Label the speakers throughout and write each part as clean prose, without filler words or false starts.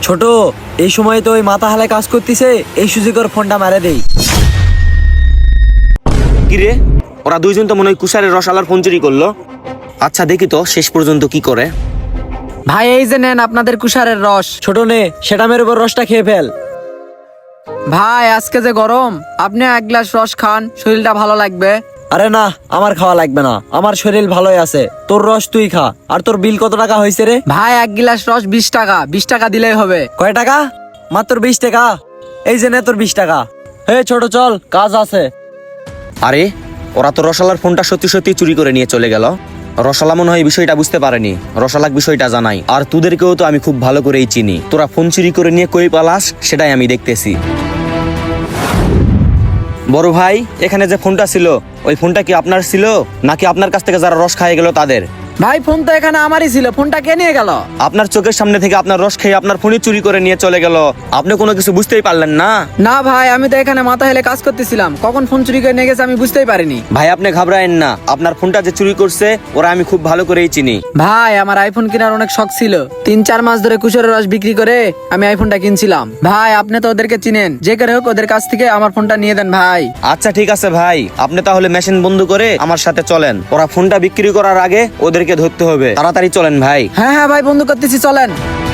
Speaker 1: ছোট, এই সময় তো ওই মাথা হালায় কাজ করতেছে, এই সুযোগের ফোনটা মারে দেই।
Speaker 2: কিরে, ওরা দুইজন তো মনে হয় কুষারের রসালার ফোন চুরি করলো। আচ্ছা দেখি তো শেষ পর্যন্ত কি করে।
Speaker 3: ভাই এই যে নেন আপনাদের কুষারের রস।
Speaker 1: ছোট নে, সেটা মেরে উপর রসটা খেয়ে ফেল।
Speaker 3: ভাই আজকে যে গরম, আপনি এক গ্লাস রস খান, শরীরটা ভালো লাগবে।
Speaker 1: আরে না, আমার খাওয়া লাগবে না, আমার শরীর ভালোই আছে। তোর রস তুই খা। আর তোর বিল কত টাকা হয়েছে রে?
Speaker 3: ভাই এক গ্লাস রস 20 টাকা, 20 টাকা দিলেই হবে।
Speaker 1: কয় টাকা? মাত্র 20 টাকা। এই যে নে তোর 20 টাকা। হে ছোট, চল, কাজ আছে।
Speaker 2: আরে ওরা তো রসালার ফোনটা সত্যি সত্যি চুরি করে নিয়ে চলে গেল। রসালা মনে হয় বিষয়টা বুঝতে পারেনি, রসালাক বিষয়টা জানাই। আর তোদেরকেও তো আমি খুব ভালো করেই চিনি, তোরা ফোন চুরি করে নিয়ে কই পালাস সেটাই আমি দেখতেছি। বড় ভাই, এখানে যে ফোনটা ছিল, ওই ফোনটা কি আপনার ছিল নাকি আপনার কাছ থেকে যারা রস খাইয়ে গেল তাদের?
Speaker 3: ভাই ফোন তো এখানে আমারই ছিল, ফোনটা কে নিয়ে গেল?
Speaker 2: আপনার চোখের সামনে থেকে আপনার রস খেয়ে আপনার ফোনই চুরি করে নিয়ে চলে গেল, আপনি কোনো কিছু বুঝতেই পারলেন না?
Speaker 3: না ভাই, আমি তো এখানে মাথা হেলে কাজ করতেছিলাম, কখন ফোন চুরি করে নিয়ে গেছে আমি বুঝতেই পারিনি।
Speaker 2: ভাই আপনি ঘাবড়ায়েন না, আপনার ফোনটা যে চুরি করছে ওরা আমি খুব ভালো করেই চিনি।
Speaker 3: ভাই আমার আইফোন কেনার অনেক শখ ছিল, 3-4 মাস ধরে কুশারের রস বিক্রি করে আমি আইফোনটা কিনছিলাম। ভাই আপনি তো ওদেরকে চিনেন, যে করে হোক ওদের কাছ থেকে আমার ফোনটা নিয়ে দেন ভাই।
Speaker 2: আচ্ছা ঠিক আছে ভাই, আপনি তাহলে মেশিন বন্ধ করে আমার সাথে চলেন। ওরা ফোনটা বিক্রি করার আগে ওদেরকে ধরতে হবে, তাড়াতাড়ি চলেন ভাই।
Speaker 3: হ্যাঁ হ্যাঁ ভাই, বন্ধু করতেছি, চলেন।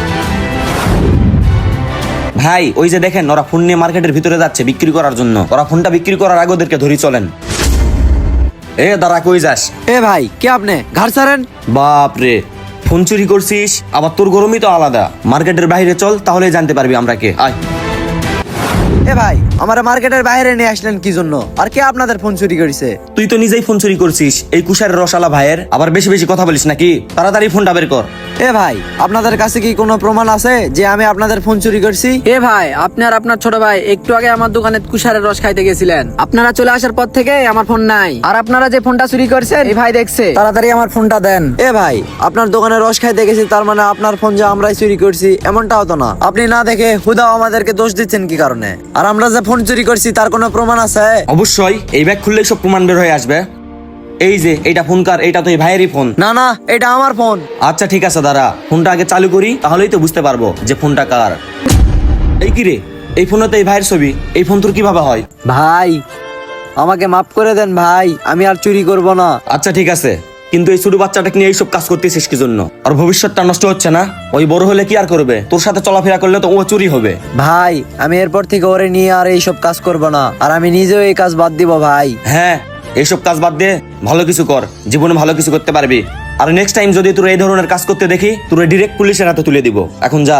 Speaker 2: ভাই ওই যে দেখেন, ওরা ফোন নিয়ে মার্কেটের ভিতরে যাচ্ছে বিক্রি করার জন্য। ওরা ফোনটা বিক্রি করার আগে ওদেরকে ধরি, চলেন। এ দাঁড়া, কই যাস?
Speaker 1: এ ভাই, কে আপনি? ঘাড় ছাড়েন।
Speaker 2: বাপ রে, ফোন চুরি করছিস, আবার তোর গরমই তো আলাদা। মার্কেটের বাইরে চল, তাহলেই জানতে পারবি আমরা কে। আয়।
Speaker 1: এ ভাই, আমার মার্কেটের বাইরে নিয়ে আসলেন কি জন্য? আর কে আপনাদের ফোন চুরি করেছে?
Speaker 2: তুই তো নিজেই ফোন চুরি করছিস, এই কুষারের রসালা ভাইয়ের। আবার বেশি বেশি কথা বলিস নাকি? তাড়াতাড়ি ফোনটা বের কর।
Speaker 1: এ ভাই, আপনাদের কাছে কি কোনো প্রমাণ আছে যে আমি আপনাদের ফোন চুরি করছি?
Speaker 3: এ ভাই, আপনি আর আপনার ছোট ভাই একটু আগে আমার দোকানে কুশারের রস খাইতে গেছিলেন, আপনারা চলে আসার পর থেকে আমার ফোন নাই। আর আপনারা যে ফোনটা চুরি করছেন এই ভাই দেখছে, তাড়াতাড়ি আমার ফোনটা দেন।
Speaker 1: এ ভাই, আপনার দোকানে রস খাইতে গেছি, তার মানে আপনার ফোন যে আমরাই চুরি করছি এমনটাও তো না। আপনি না দেখে হুদাও আমাদেরকে দোষ দিচ্ছেন কি কারণে? আর আমরা যে ফোন চুরি করছি তার কোনো প্রমাণ আছে?
Speaker 2: অবশ্যই, এই ব্যাগ খুললেই সব প্রমাণ বের হয়ে আসবে। এই যে এইটা ফোন কার? এইটা তো এই ভাইয়েরই ফোন।
Speaker 1: না না, এটা আমার ফোন।
Speaker 2: আচ্ছা ঠিক আছে দাঁড়া, ফোনটা আগে চালু করি, তাহলেই তো বুঝতে পারবো যে ফোনটা কার। এই কি রে, এই ফোনে তো এই ভাইয়ের ছবি, এই ফোন তোর কিভাবে হয়?
Speaker 1: ভাই আমাকে মাফ করে দেন ভাই, আমি আর চুরি করব না।
Speaker 2: আচ্ছা ঠিক আছে, কিন্তু এই ছোট বাচ্চাটাকে নিয়ে এইসব কাজ করতেছিস কি জন্য? আর ভবিষ্যৎটা নষ্ট হচ্ছে না? ওই বড় হলে কি আর করবে? তোর সাথে চলাফেরা করলে তো ও চুরি হবে।
Speaker 1: ভাই আমি এরপর থেকে ওরে নিয়ে আর এইসব কাজ করব না, আর আমি নিজেও এই কাজ বাদ দিব ভাই।
Speaker 2: হ্যাঁ, এইসব কাজ বাদ দে, ভালো কিছু কর, জীবনে ভালো কিছু করতে পারবি। আর নেক্সট টাইম যদি তোর এই ধরনের কাজ করতে দেখি, তোর ডিরেক্ট পুলিশের হাতে তুলে দিব। এখন যা।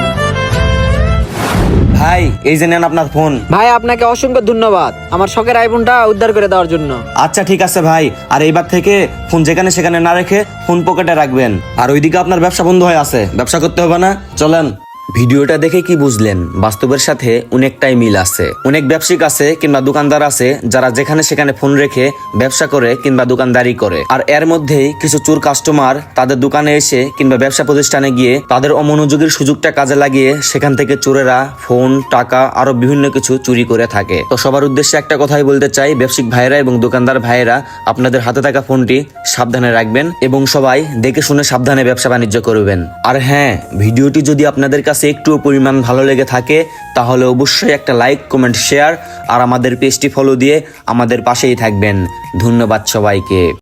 Speaker 2: ভাই এই যে নেন আপনার ফোন।
Speaker 3: ভাই আপনাকে অসংখ্য ধন্যবাদ আমার শখের আইফোনটা উদ্ধার করে দেওয়ার জন্য।
Speaker 2: আচ্ছা ঠিক আছে ভাই, আর এইবার থেকে ফোন যেখানে সেখানে না রেখে ফোন পকেটে রাখবেন। আর ওইদিকে আপনার ব্যবসা বন্ধ হয়ে আছে, ব্যবসা করতে হবে না, চলেন। ভিডিওটা দেখে কি বুঝলেন? বাস্তবের সাথে অনেকটাই মিল আছে। অনেক ব্যবসায়িক আছে কিংবা দোকানদার আছে যারা যেখানে সেখানে ফোন রেখে ব্যবসা করে কিংবা দোকানদারি করে। আর এর মধ্যেই কিছু চোর কাস্টমার তাদের দোকানে এসে কিংবা ব্যবসা প্রতিষ্ঠানে গিয়ে তাদের অমনোযোগের সুযোগটা কাজে লাগিয়ে সেখান থেকে চোরেরা ফোন, টাকা আরো বিভিন্ন কিছু চুরি করে থাকে। তো সবার উদ্দেশ্যে একটা কথাই বলতে চাই, ব্যবসায়িক ভাইরা এবং দোকানদার ভাইরা আপনাদের হাতে থাকা ফোনটি সাবধানে রাখবেন এবং সবাই দেখে শুনে সাবধানে ব্যবসা বাণিজ্য করবেন। আর হ্যাঁ, ভিডিওটি যদি আপনাদের কাছে একটু পরিমাণ ভালো লেগে থাকে তাহলে অবশ্যই একটা লাইক, কমেন্ট, শেয়ার আর আমাদের পেজটি ফলো দিয়ে আমাদের পাশেই থাকবেন। ধন্যবাদ সবাইকে।